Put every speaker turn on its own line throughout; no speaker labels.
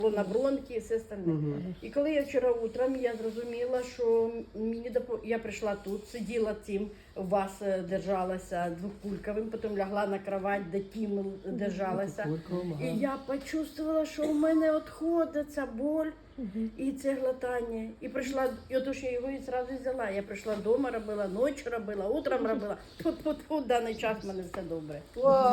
на бронхи і все остальне. І коли я вчора утром, я зрозуміла, що я прийшла тут, сиділа цим, у вас держалася двокульковим, потім лягла на кровать, де тім держалася. І я почувствувала, що у мене відходить ця боль і це глотання. І прийшла, і отож я його і одразу взяла. Я прийшла вдома, робила, ночі робила, утром робила. В даний час в мене все добре.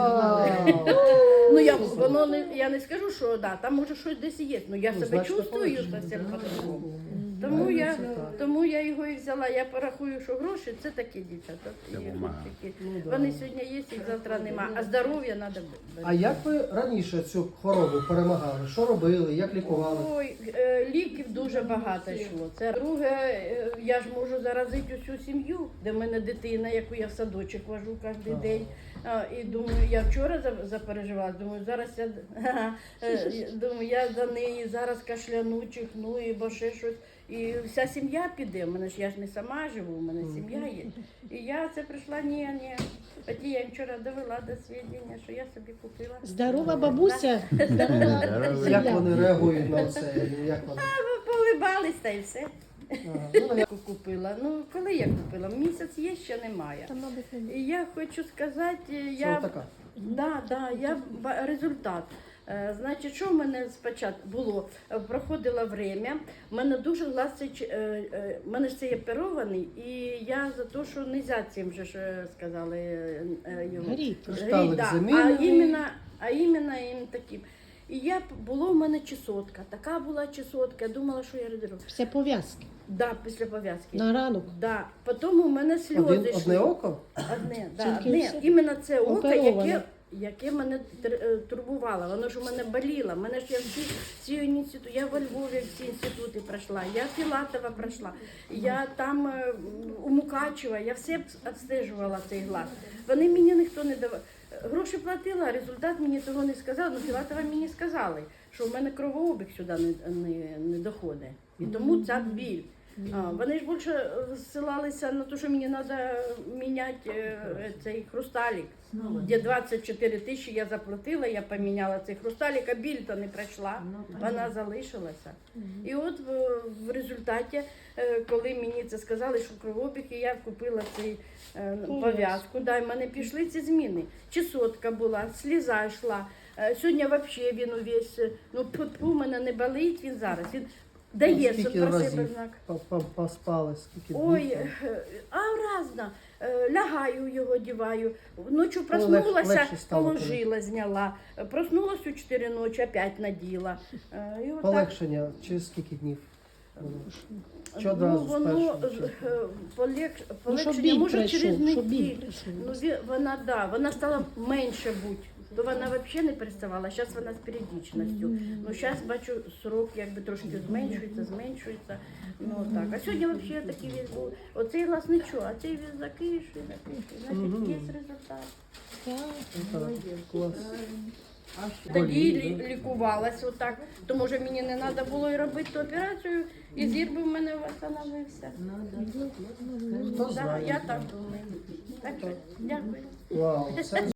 Ну я не скажу, що да, там може щось десь є, але я себе чувствую зовсім по-другому. Тому я його і взяла. Я порахую, що гроші це такі дівчата. Вони сьогодні є, їх завтра нема. А здоров'я треба берегти.
А як ви раніше цю хворобу перемагали? Що робили? Як лікували?
Ой, ліків дуже багато йшло. Це друге, я ж можу заразити усю сім'ю, де в мене дитина, яку я в садочок вожу кожен день. І думаю, я вчора запереживала, думаю, зараз я за неї зараз кашляну, чихну, бо ще щось. І вся сім'я піде, я ж не сама живу, у мене сім'я є. І я це прийшла, ні. Тоді я вчора довела до свідчення, що я собі купила.
Здорова бабуся, здорова
Як
земля.
вони реагують на це? Як вони?
Полибались та й все. Купила. Ну, коли я купила? Місяць є, ще немає. І я хочу сказати, результат. Значить, що в мене спочатку було? Проходило время, в мене дуже глаз, в мене ж це є оперований, і я за те, що не можна цим же ж сказали його.
Кришталик замінений.
А іменно таким. І було в мене чесотка, така була чесотка, я думала, що я родила.
Після пов'язки?
Да, після пов'язки.
На ранок?
Да. Потім у мене сльози йшли.
Одне око?
Одне. Іменно це око, яке мене турбувало, воно ж у мене боліло. Мене ж я во Львові всі інститути пройшла, я Філатова пройшла, я там у Мукачева, я все обстежувала цей глаз. Вони мені ніхто не давав. Гроші платила, а результат мені того не сказав. Ну, Філатова мені сказали, що в мене кровообіг сюди не доходить. І тому ця біль. Вони ж більше ссилалися на те, що мені треба міняти цей хрусталік. Де 24 тисячі я заплатила, я поміняла цей хрусталік, а біль-то не пройшла, вона залишилася. І от в результаті, коли мені це сказали, що кровообіг, і я купила цей пов'язку, да, і в мене пішли ці зміни. Чесотка була, сліза йшла, сьогодні взагалі він увесь, у мене не болить він зараз. Дає про себе знак.
Поспали, скільки днів?
Ой, разно. Лягаю його, діваю. Ночі проснулася, положила, зняла. Проснулась у 4 ночі, опять наділа.
Полегшення через скільки днів? Чи одразу з першого?
Полегшення, може через неділю. Вона стала менше бути. То вона взагалі не переставала, зараз вона з періодичністю. Ну, зараз бачу, срок якби трошки зменшується. Ну, так. А сьогодні взагалі такий весь був. Оцей глаз нічого, а цей весь закишує. Значить, є результат.
Клас.
Тоді лікувалась отак, то може мені не треба було і робити ту операцію, і зір би в мене встановився.
Хто знає?
Я так думаю. Так що, дякую.
Вау, це